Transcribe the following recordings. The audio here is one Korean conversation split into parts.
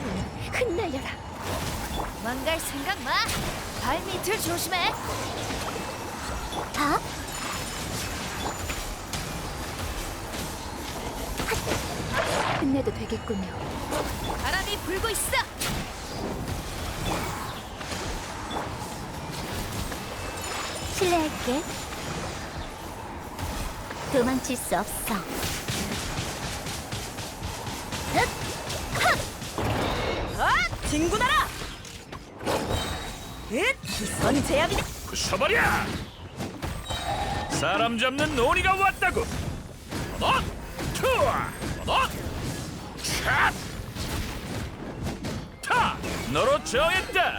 흩날려라. 망갈 생각 마. 발밑을 조심해. 다? 끝내도 되겠군요. 바람이 불고 있어. 실례할게. 도망칠 수 없어. 진군하라. 기선 제압이다. 부숴버려! 사람 잡는 놀이가 왔다고! 투어! 샷! 타! 너로 정했다!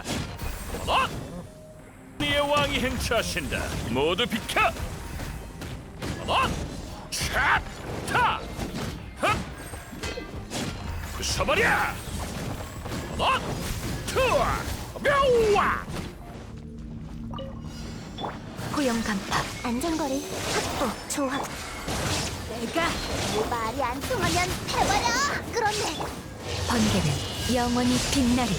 네의 왕이 행차하신다! 모두 비켜! 샷! 타! 부숴버려! 투어! 묘와! 고용 간파. 안전거리 확보. 조합. 내가 말이 안 통하면 해버려. 그렇네. 번개는 영원히 빛나리.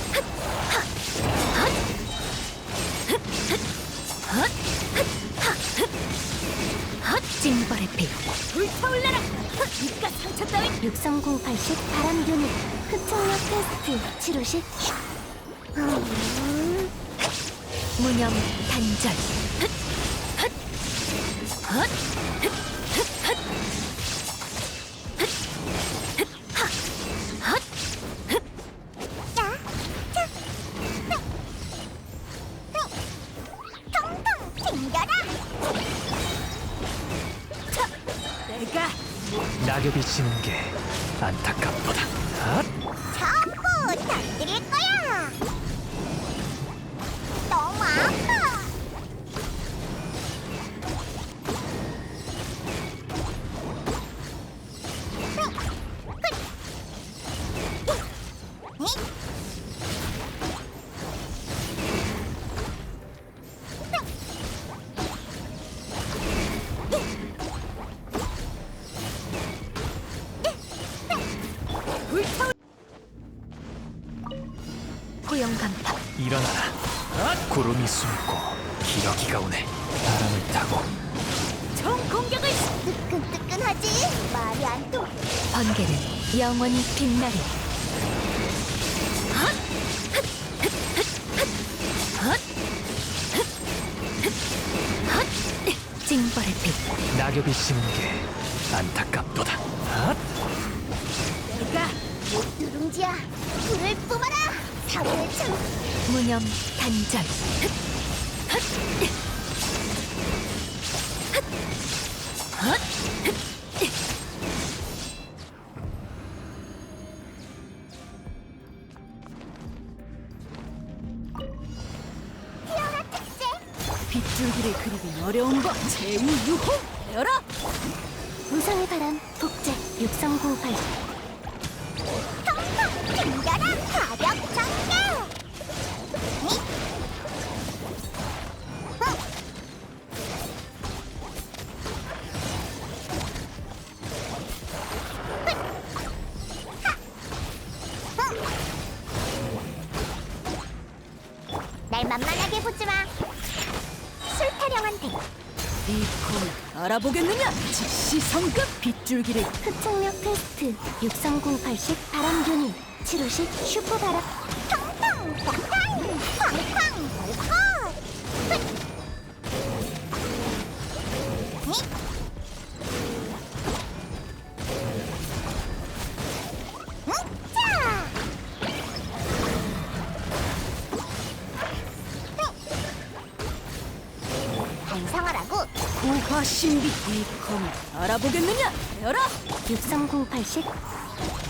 징벌의 피 불타올라라. 입가 상처 따위. 63080 바람 유닛. 흡착력 테스트. 치료식. 무념 단절. 내가 낙엽이 지는 게 안타깝도다. 전부 던드릴 거야. 너무 아파. 고용 간파. 일어나라. 구름이 숨고 기러기가 오네. 바람을 타고 총 공격을. 뜨끈뜨끈하지? 말이 안 통해. 번개는 영원히 빛나리. 징벌의 피 낙엽이 지는 게 안타깝도다. 내가 누룽지야, 불을 뿜어라. 사고를 참. 무념 단절. 피어라 특제. 빗줄기를 그리긴 어려운 법. 제2유호 열어. 우상의 바람 복제 63080. 텅텅 튕겨라. 가격 전개. 날 만만하게 보지 마. 술 타령한테. 이 콤을 알아보겠느냐? 즉시 성급. 빗줄기를 흡착력 테스트 63080 바람 유닛. 치료식 슈퍼 바람. 텅텅 팡팡 팡팡 팡팡. 자. 반성하라고. 고화신비. 이 콤을 알아보겠느냐? 열어. 63080